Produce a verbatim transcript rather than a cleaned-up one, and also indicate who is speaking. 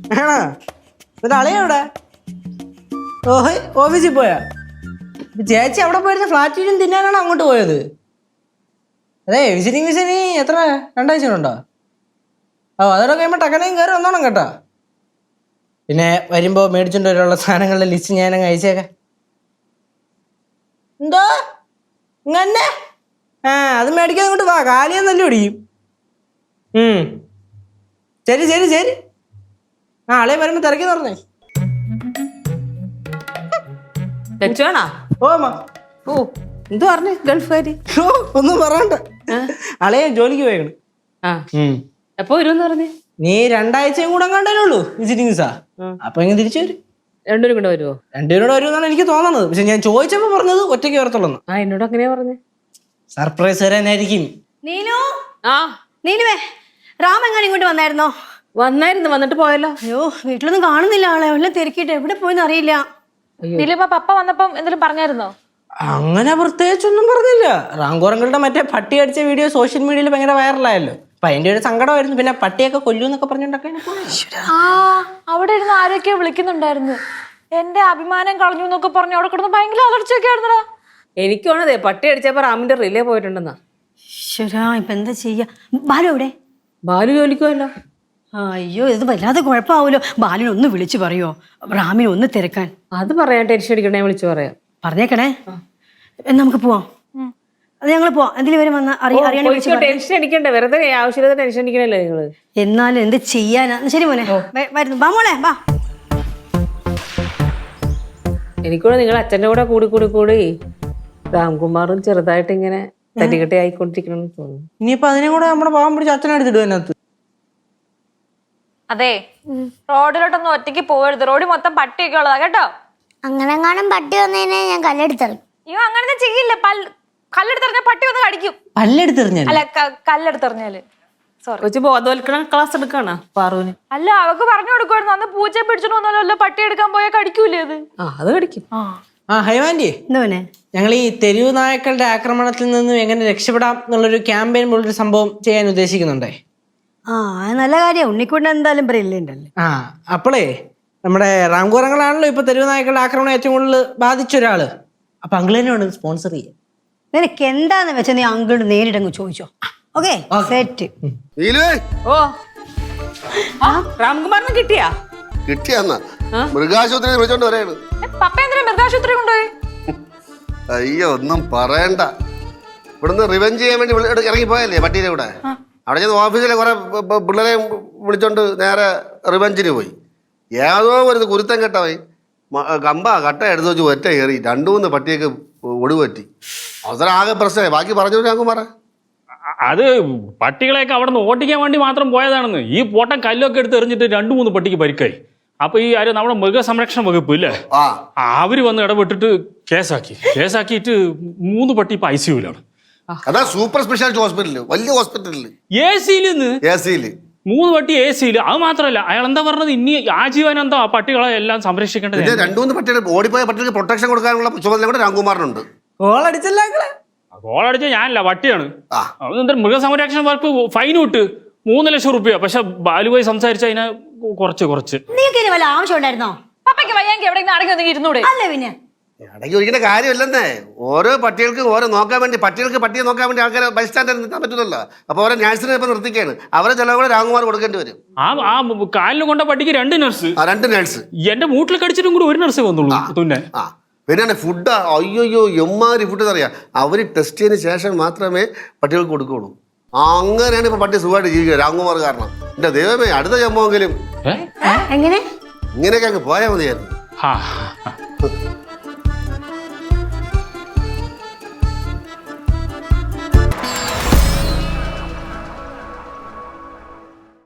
Speaker 1: ആണോ എന്നിട്ട് അളിയെവിടെ? ഓഹ് ഓഫീസിൽ പോയാ? ചേച്ചി അവിടെ പോയിരുന്ന ഫ്ലാറ്റിലും തിന്നാനാണോ അങ്ങോട്ട് പോയത്? അതെ വിസിറ്റിംഗ് വിസിനി എത്ര രണ്ടാഴ്ച ഉണ്ടോ? ഓ അതോടെ കഴിയുമ്പോൾ ടക്കനയും കയറി വന്നോണം കേട്ടോ. പിന്നെ വരുമ്പോൾ മേടിച്ചോണ്ട് വരാനുള്ള സാധനങ്ങളുടെ ലിസ്റ്റ് ഞാനങ്ങ് അയച്ചേക്കാം. എന്തോ ഇങ്ങനെ ആ അത് മേടിക്കാൻ അങ്ങോട്ട് വാ, കാലിയെന്നല്ലേ പിടിക്കും. ഉം ശരി ശരി ശരി. ആ ആളെ വരുമ്പോ തിരക്കി പറഞ്ഞേ. ഓ
Speaker 2: ഓ എന്ത് പറഞ്ഞു ഗൾഫുകാരി?
Speaker 1: ഓ ഒന്നും പറയണ്ട, ആളെ ജോലിക്ക് പോയേക്കണ്.
Speaker 2: ആ എപ്പോ വരുമെന്ന് പറഞ്ഞേ?
Speaker 1: നീ രണ്ടാഴ്ചയും കൂടെ കണ്ടേ ഉള്ളൂ വിസിറ്റിംഗ് സാ. അപ്പൊ ഇങ്ങനെ തിരിച്ചു വരും.
Speaker 2: രണ്ടുപേരും കൂടെ വരുമോ?
Speaker 1: രണ്ടുപേരോട് വരുമെന്നാണ് എനിക്ക് തോന്നുന്നത്. പക്ഷെ ഞാൻ ചോദിച്ചപ്പോ പറഞ്ഞത് ഒറ്റയ്ക്ക് വരത്തുള്ളൂ.
Speaker 2: ആ എന്നോട് അങ്ങനെയാ പറഞ്ഞേ.
Speaker 1: സർപ്രൈസ് തരാനായിരിക്കും.
Speaker 3: നീനു
Speaker 2: ആ
Speaker 3: നീനുവേ, രാം എങ്ങനെ ഇങ്ങോട്ട് വന്നായിരുന്നോ?
Speaker 2: വന്നായിരുന്നു, വന്നിട്ട് പോയല്ലോ.
Speaker 3: അയ്യോ വീട്ടിലൊന്നും കാണുന്നില്ല ആളെ, എല്ലാം തിരക്കിയിട്ട് എവിടെ പോയെന്ന് അറിയില്ല.
Speaker 4: ദിലീപ പപ്പ വന്നപ്പം എന്തെങ്കിലും പറഞ്ഞായിരുന്നോ?
Speaker 1: അങ്ങനെ പ്രത്യേകിച്ചൊന്നും പറഞ്ഞില്ല. റാങ്കോറങ്ങളുടെ മറ്റേ പട്ടി അടിച്ച വീഡിയോ സോഷ്യൽ മീഡിയയിൽ ഭയങ്കര വൈറലായല്ലോ. അപ്പൊ അതിന്റെ ഒരു സങ്കടമായിരുന്നു. പിന്നെ പട്ടിയൊക്കെ കൊല്ലൂന്നൊക്കെ പറഞ്ഞിട്ടൊക്കെ
Speaker 4: ആ അവിടെ ഇരുന്ന് ആരൊക്കെയോ വിളിക്കുന്നുണ്ടായിരുന്നു. എന്റെ അഭിമാനം കളഞ്ഞു എന്നൊക്കെ പറഞ്ഞു അവിടെ കിടന്ന് ഭയങ്കര അലർച്ചയൊക്കെ ആയിരുന്നടാ.
Speaker 2: എനിക്കാണതേ പട്ടി അടിച്ചപ്പോ റാമിന്റെ റിലേ പോയിട്ടുണ്ടെന്നാ.
Speaker 3: ഈശ്വരാ ഇപ്പൊ എന്താ ചെയ്യാ? ബാലു എവിടെ?
Speaker 2: ബാലു ജോലിക്കുമല്ലോ.
Speaker 3: അയ്യോ ഇത് വല്ലാതെ കുഴപ്പമാവൂലോ. ബാലുവിനെ ഒന്ന് വിളിച്ചു പറയോ, റാമിനെ ഒന്ന് തിരക്കാൻ.
Speaker 2: അത് പറയാൻ ടെൻഷൻ അടിക്കണേ, വിളിച്ചു പറയാം.
Speaker 3: പറഞ്ഞേക്കണേ. എന്നാ നമുക്ക് പോവാം. അത് ഞങ്ങൾ പോവാം. എന്തെങ്കിലും വരും വന്ന അറിയാൻ.
Speaker 2: ടെൻഷൻ അടിക്കണ്ടേ, വെറുതെ ആവശ്യമില്ലാതെ ടെൻഷൻ അടിക്കണല്ലേ നിങ്ങള്.
Speaker 3: എന്നാലും എന്ത് ചെയ്യാനാ? ശരി മോനെ വരുന്നു. ബാ മോളെ ബാ.
Speaker 2: എനിക്കൂടെ നിങ്ങൾ അച്ഛൻ്റെ കൂടെ കൂടി കൂടി കൂടി രാംകുമാറും ചെറുതായിട്ട് ഇങ്ങനെ തട്ടിക്കെട്ടി ആയിക്കൊണ്ടിരിക്കണമെന്ന് തോന്നുന്നു.
Speaker 1: ഇനിയിപ്പൊ അതിനെ കൂടെ നമ്മുടെ പാവം പിടിച്ച് അച്ഛനെടുത്തിടും അതിനകത്ത്.
Speaker 4: അതെ റോഡിലോട്ടൊന്നും ഒറ്റയ്ക്ക് പോകരുത്. റോഡിൽ മൊത്തം പട്ടിയൊക്കെ ഉള്ളതാ കേട്ടോ.
Speaker 5: അങ്ങനെങ്ങാനും പട്ടി വന്നതിനെ ഞാൻ കല്ലെടുത്തെറിയും.
Speaker 4: അയ്യോ അങ്ങനത്തെ ചെയ്യില്ല. പൽ കല്ലെടുത്തെറിഞ്ഞാൽ പട്ടി വന്ന് കടിക്കും.
Speaker 1: പല്ലെടുത്തെറിഞ്ഞ
Speaker 4: അല്ല കല്ലെടുത്തെറിഞ്ഞാല് സോറി
Speaker 2: കൊച്ചു ബോധവൽക്കരണ ക്ലാസ് എടുക്കാണോ പാറുവിന്?
Speaker 4: അല്ല അവക്ക് പറഞ്ഞു കൊടുക്കുമായിരുന്നു. അന്ന് പൂച്ചയെ പിടിച്ചിട്ട് വന്നാലോ പട്ടി എടുക്കാൻ പോയാൽ കടിക്കൂലേ അത്?
Speaker 2: ആ അത് കടിക്കും.
Speaker 1: ആ ഹൈവാൻഡി,
Speaker 3: എന്താ മോനെ?
Speaker 1: ഞങ്ങൾ ഈ തെരുവ് നായ്ക്കളുടെ ആക്രമണത്തിൽ നിന്നും എങ്ങനെ രക്ഷപ്പെടാം എന്നുള്ളൊരു ക്യാമ്പയിൻ പോലൊരു സംഭവം ചെയ്യാൻ ഉദ്ദേശിക്കുന്നുണ്ടേ.
Speaker 3: ആ നല്ല കാര്യം. ഉണ്ണിക്കൊണ്ട് എന്തായാലും ബ്രില്യൻ്റല്ലേ.
Speaker 1: ആ അപ്പോളേ നമ്മുടെ റാംകോറങ്ങളാണല്ലോ ഇപ്പൊ തെരുവ് നായ്ക്കളുടെ ആക്രമണം ഏറ്റവും കൂടുതൽ ബാധിച്ച ഒരാള്. അപ്പൊ അങ്കിളിനോട് സ്പോൺസർ ചെയ്യാം.
Speaker 3: നിനക്ക് എന്താന്ന് വെച്ചാൽ നീ അങ്കിളോട് നേരിട്ടങ്ങ് ചോദിച്ചോ. Okay set.
Speaker 2: ഓ രാംകുമാറിന് കിട്ടിയാ?
Speaker 6: കിട്ടിയാന്നാ മൃഗാശുപത്രി വിളിച്ചോണ്ട് വരെയാണ്.
Speaker 4: പപ്പ എന്തിനാ മൃഗാശുപത്രി കൊണ്ടുപോയി?
Speaker 6: അയ്യോ ഒന്നും പറയണ്ട. ഇവിടുന്ന് റിവെഞ്ച് ചെയ്യാൻ വേണ്ടി ഇറങ്ങി പോയല്ലേ പട്ടീനെ കൂടെ. അവിടെ ചെന്ന് ഓഫീസിലെ കുറെ പിള്ളേരെ വിളിച്ചോണ്ട് നേരെ റിവെഞ്ചിന് പോയി. ഏതോ ഒരു കുരുത്തം കെട്ടവൻ കമ്പ കട്ട എടുത്ത് വെച്ച് ഒറ്റ കയറി രണ്ടു മൂന്ന് പട്ടിയൊക്കെ ഒടിവറ്റി. അവസരം ആകെ പ്രശ്നമായി. ബാക്കി പറഞ്ഞു ഞങ്ങൾക്ക് പറ.
Speaker 7: അത് പട്ടികളെയൊക്കെ അവിടെ നിന്ന് ഓട്ടിക്കാൻ വേണ്ടി മാത്രം പോയതാണെന്ന്. ഈ പോട്ടം കല്ലൊക്കെ എടുത്ത് എറിഞ്ഞിട്ട് രണ്ടു മൂന്ന് പട്ടിക്ക് പരിക്കായി. അപ്പൊ ഈ ആര് നമ്മുടെ മൃഗസംരക്ഷണ വകുപ്പ് ഇല്ലേ, അവര് വന്ന് ഇടപെട്ടിട്ട് കേസാക്കി. കേസാക്കിയിട്ട് മൂന്ന് പട്ടി ഇപ്പൊ ഐ സിയുലാണ്.
Speaker 6: അതാ സൂപ്പർ സ്പെഷ്യാലിറ്റി ഹോസ്പിറ്റലില്, വലിയ ഹോസ്പിറ്റലില്
Speaker 7: എ സിയില്
Speaker 6: എ സിയില്
Speaker 7: മൂന്ന് പട്ടി എ സിയില്. അത് മാത്രമല്ല അയാൾ എന്താ പറഞ്ഞത്, ഇനി ആജീവനാന്തം ആ പട്ടികളെ എല്ലാം സംരക്ഷിക്കേണ്ടത്.
Speaker 6: രണ്ടു മൂന്ന് പട്ടികൾ ഓടിപ്പോയ പട്ടികൾക്ക് പ്രൊട്ടക്ഷൻ കൊടുക്കാനുള്ള ചുമതല കൂടെ രാംകുമാറിനുണ്ട്.
Speaker 1: ഗോളടിച്ചല്ലേ?
Speaker 7: ഗോളടിച്ച ഞാനല്ല, പട്ടിയാണ്. അതെന്താ മൃഗസംരക്ഷണ വകുപ്പ് ഫൈൻ വിട്ട് മൂന്ന് ലക്ഷം റുപ്യ. പക്ഷെ ബാലുവായി സംസാരിച്ച അതിനെ കുറച്ച് കുറച്ച്.
Speaker 3: നിങ്ങൾക്ക് വല്ല ആവശ്യം ഉണ്ടായിരുന്നോ?
Speaker 4: പപ്പയ്ക്ക് വയ്യെങ്കിൽ എവിടെയെങ്കിലും അടങ്ങി ഒന്നെങ്കിൽ ഇരുന്നൂടെ?
Speaker 3: അല്ല പിന്നെ
Speaker 6: ഇടയ്ക്ക് ഒരിക്കലും കാര്യമില്ലെന്നേ. ഓരോ പട്ടികൾക്ക് ഓരോ നോക്കാൻ വേണ്ടി, പട്ടികൾക്ക് പട്ടിയെ നോക്കാൻ വേണ്ടി ആൾക്കാരെ ബൈസ്റ്റാൻഡർ നിർത്താൻ പറ്റില്ലല്ലോ. അപ്പൊ ഓരോ നഴ്സിനെ ഇപ്പൊ നിർത്തിക്കാണ്. അവരെ ചിലവ് കൂടെ രാംകുമാർ കൊടുക്കേണ്ടി വരും.
Speaker 7: ആ ആ കാലിൽ കൊണ്ട പട്ടിക്ക് രണ്ട് നഴ്സ്.
Speaker 6: ആ രണ്ട് നഴ്സ്.
Speaker 7: എന്റെ മൂട്ടിൽ കടിച്ചിട്ടും കൂടി ഒരു നഴ്സേ വന്നുള്ളൂ. പിന്നെ
Speaker 6: ആ പിന്നെ ഫുഡ് അയ്യോയ്യോ എമ്മാതിരി ഫുഡ് അറിയാം. അവർ ടെസ്റ്റ് ചെയ്തതിന് ശേഷം മാത്രമേ പട്ടികൾക്ക് കൊടുക്കുള്ളൂ. അങ്ങനെയാണ് ഇപ്പൊ പട്ടി സുഖമായിട്ട് ജീവിക്കുക രാംകുമാർ കാരണം. എന്റെ ദൈവമേ, അടുത്ത ജന്മമെങ്കിലും
Speaker 3: എങ്ങനെ
Speaker 6: ഇങ്ങനെയൊക്കെ അങ്ങ് പോയാൽ മതിയായിരുന്നു.